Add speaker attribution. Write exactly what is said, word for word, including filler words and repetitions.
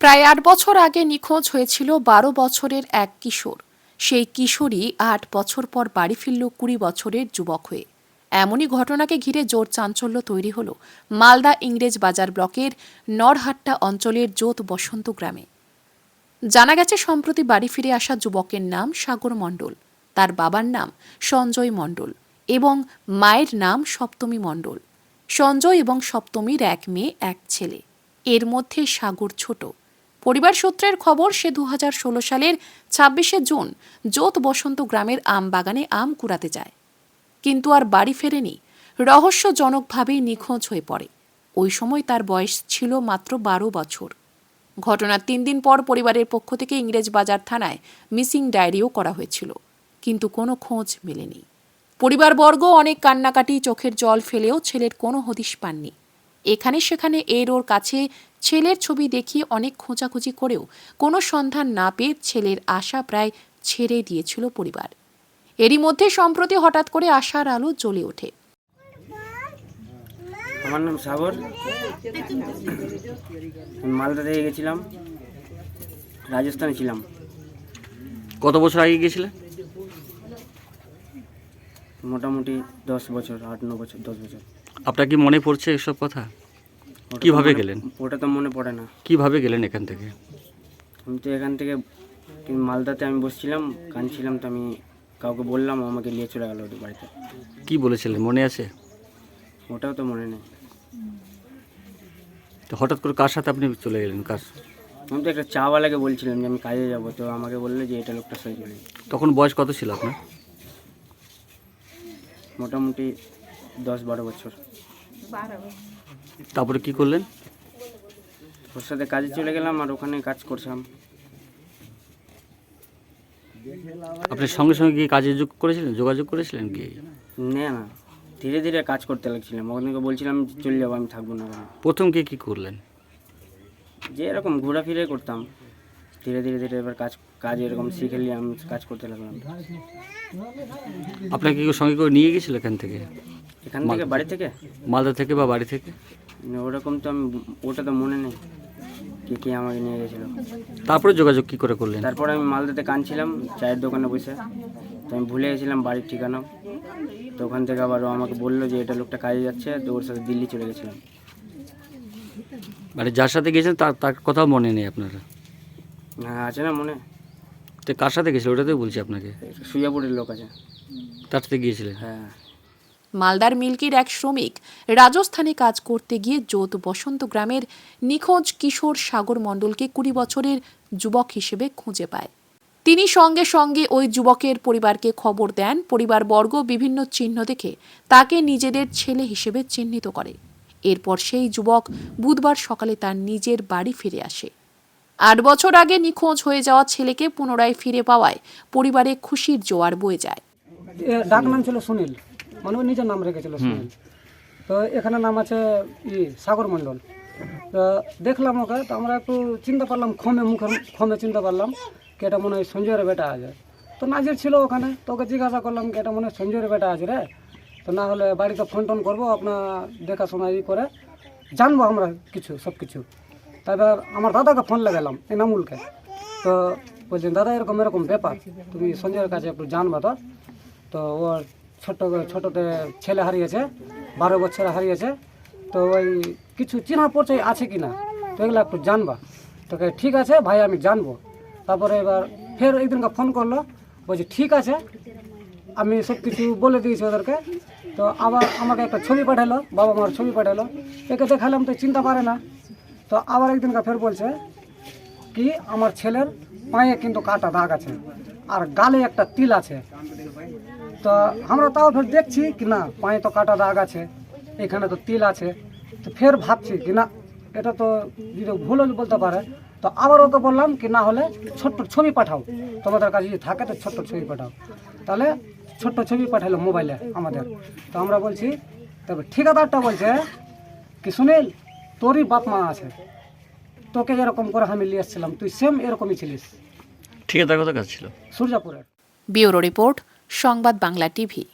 Speaker 1: প্রায় আট বছর আগে নিখোঁজ হয়েছিল বারো বছরের এক কিশোর। সেই কিশোরই আট বছর পর বাড়ি ফিরল কুড়ি বছরের যুবক হয়ে। এমনই ঘটনাকে ঘিরে জোর চাঞ্চল্য তৈরি হল মালদা ইংরেজ বাজার ব্লকের নরহাট্টা অঞ্চলের জোত বসন্ত গ্রামে। জানা গেছে, সম্প্রতি বাড়ি ফিরে আসা যুবকের নাম সাগর মণ্ডল, তার বাবার নাম সঞ্জয় মণ্ডল এবং মায়ের নাম সপ্তমী মণ্ডল। সঞ্জয় এবং সপ্তমীর এক মেয়ে এক ছেলে, এর মধ্যে সাগর ছোট। পরিবার সূত্রের খবর, সে দু হাজার ষোলো সালের ছাব্বিশে জুন জোত বসন্ত গ্রামের আম বাগানে আম কুড়াতে যায়, কিন্তু আর বাড়ি ফেরেনি। রহস্যজনকভাবেই নিখোঁজ হয়ে পড়ে। ওই সময় তার বয়স ছিল মাত্র বারো বছর। ঘটনার তিন দিন পর পরিবারের পক্ষ থেকে ইংরেজ বাজার থানায় মিসিং ডায়েরিও করা হয়েছিল, কিন্তু কোনো খোঁজ মেলেনি। পরিবারবর্গ অনেক কান্নাকাটি, চোখের জল ফেলেও ছেলের কোনো হদিশ পাননি। এখানে সেখানে এর ওর কাছে ছেলের ছবি দেখিয়ে অনেক খোঁজাখুঁজি করেও কোনো সন্ধান না পেয়ে ছেলের আশা প্রায় ছেড়ে দিয়েছিল পরিবার। এরই মধ্যে সম্প্রতি হঠাৎ করে আশার আলো জ্বলে ওঠে।
Speaker 2: আমার নাম সাগর, মালদা থেকে গেছিলাম, রাজস্থানে ছিলাম।
Speaker 3: কত বছর আগে গিয়েছিলেন?
Speaker 2: মোটামুটি দশ বছর, আট ন বছর, দশ বছর।
Speaker 3: আপনার কি মনে পড়ছে এসব কথা?
Speaker 2: ওটা তো
Speaker 3: কিভাবে
Speaker 2: মনে-
Speaker 3: গেলেন?
Speaker 2: ওটা তো মনে পড়ে না।
Speaker 3: কিভাবে গেলেন এখান থেকে?
Speaker 2: আমি তো এখান থেকে মালদাতে আমি বসছিলাম, কাঁদছিলাম, তো আমি কাউকে বললাম, ও আমাকে নিয়ে চলে গেল ওদের বাড়িতে।
Speaker 3: কি বলেছিলেন মনে আছে?
Speaker 2: ওটাও তো মনে নেই।
Speaker 3: তো হঠাৎ করে কার সাথে আপনি চলে গেলেন? কার?
Speaker 2: আমি তো একটা চাওয়ালাকে বলছিলাম যে আমি কাজে যাব, তো আমাকে বললো যে এটা লোকটা সই চলে।
Speaker 3: তখন বয়স কত ছিল আপনার?
Speaker 2: মোটামুটি দশ বারো বছর।
Speaker 3: তারপরে কি করলেন?
Speaker 2: ওর সাথে কাজে চলে গেলাম আর ওখানে কাজ করছিলাম।
Speaker 3: আপনি সঙ্গে সঙ্গে গিয়ে কাজে যোগ করেছিলেন, যোগাযোগ করেছিলেন কি?
Speaker 2: না না, ধীরে ধীরে কাজ করতে লাগছিলাম। ওখানে বলছিলাম যে চলে যাবো, আমি থাকবো না ওখানে।
Speaker 3: প্রথম গিয়ে কী করলেন?
Speaker 2: যে এরকম ঘোরাফিরে করতাম, ধীরে ধীরে ধীরে এবার কাজ কাজ এরকম শিখে নিয়ে আমি কাজ করতে লাগলাম।
Speaker 3: আপনাকে কেউ সঙ্গে করে নিয়ে গেছিল এখান থেকে?
Speaker 2: এখান থেকে বাড়ি থেকে
Speaker 3: মালদা থেকে বা বাড়ি থেকে?
Speaker 2: না, ওরকম তো আমি ওটা তো মনে নেই কে কে আমাকে নিয়ে গেছিলো।
Speaker 3: তারপরে যোগাযোগ কি করে করলেন?
Speaker 2: তারপর আমি মালদাতে কাঁদছিলাম চায়ের দোকানে বসে, তো আমি ভুলে গেছিলাম বাড়ির ঠিকানা। তো ওখান থেকে আবার ও আমাকে বললো যে এটা লোকটা কাজে যাচ্ছে, তো ওর সাথে দিল্লি চলে গেছিলাম।
Speaker 3: মানে যার সাথে গেছেন তার তার কথাও মনে নেই আপনার?
Speaker 2: হ্যাঁ, আছে না মনে।
Speaker 3: তো কার সাথে গেছিল ওটাতেই বলছি আপনাকে।
Speaker 2: সুজাপুরের লোক আছে।
Speaker 3: তার সাথে গিয়েছিলেন?
Speaker 2: হ্যাঁ।
Speaker 1: মালদার মিল্কির এক শ্রমিক রাজস্থানে কাজ করতে গিয়ে জোত বসন্ত গ্রামের নিখোঁজ কিশোর সাগর মণ্ডলকে কুড়ি বছরের যুবক হিসেবে খুঁজে পায়। তিনি সঙ্গে সঙ্গে ওই যুবকের পরিবারকে খবর দেন। পরিবারবর্গ বিভিন্ন চিহ্ন দেখে তাকে নিজেদের ছেলে হিসেবে চিহ্নিত করে। এরপর সেই যুবক বুধবার সকালে তার নিজের বাড়ি ফিরে আসে। আট বছর আগে নিখোঁজ হয়ে যাওয়া ছেলেকে পুনরায় ফিরে পাওয়ায় পরিবারে খুশির জোয়ার বয়ে যায়।
Speaker 4: ডাক নাম ছিল সুনীল, মানে ওর নিজের নাম রেখেছিল সুনীল। তো এখানে নাম আছে ই সাগর মণ্ডল। তো দেখলাম ওকে, তো আমরা একটু চিন্তা পারলাম, খমে মুখের খমে চিন্তা পারলাম কি এটা মনে হয় সঞ্জয়ের বেটা আছে। তো নাজির ছিল ওখানে, তো ওকে জিজ্ঞাসা করলাম কি এটা মনে হয় সঞ্জয়ের বেটা আছে রে, তো না হলে বাড়িতে ফোন টোন করবো, আপনার দেখাশোনা ই করে জানবো আমরা কিছু সব কিছু। তারপর আমার দাদাকে ফোন লাগালাম, এনামুলকে। তো বলছেন দাদা এরকম এরকম ব্যাপার, তুমি সঞ্জয়ের কাছে একটু জানবা। তো তো ওর ছোট ছোটতে ছেলে হারিয়েছে, বারো বছর হারিয়েছে, তো ওই কিছু চিনা পরিচয় আছে কি না, তো এগুলো একটু জানবা। তোকে ঠিক আছে ভাই, আমি জানবো। তারপরে এবার ফের একদিনকে ফোন করলো, বলছি ঠিক আছে, আমি সব কিছু বলে দিয়েছি ওদেরকে। তো আবার আমাকে একটা ছবি পাঠালো, বাবা মার ছবি পাঠালো, একে দেখালাম, তো চিন্তা পারে না। তো আবার একদিনকে ফের বলছে কি আমার ছেলের পায়ে কিন্তু কাটা দাগ আছে আর গালে একটা তিল আছে। তো আমরা তাও ফের দেখছি কি না, পায়ে তো কাটা দাগ আছে, এখানে তো তিল আছে। তো ফের ভাবছি কি না এটা তো যদি ভুল বলতে পারে। তো আবার ওকে বললাম কি না হলে ছোট্ট ছবি পাঠাও, তোমাদের কাছে যদি থাকে তো ছোট্ট ছবি পাঠাও। তাহলে ছোট্ট ছবি পাঠালো মোবাইলে আমাদের। তো আমরা বলছি, তবে ঠিকাদারটা বলছে কি সুনীল তোরই বাপ মা আছে, তোকে এরকম করে আমি নিয়ে এসেছিলাম, তুই সেম এরকমই ছিলিস।
Speaker 3: ঠিকাদার কত কাজ ছিল?
Speaker 4: সূর্যাপুরের।
Speaker 1: ব্যুরো রিপোর্ট, সংবাদ বাংলা টিভি।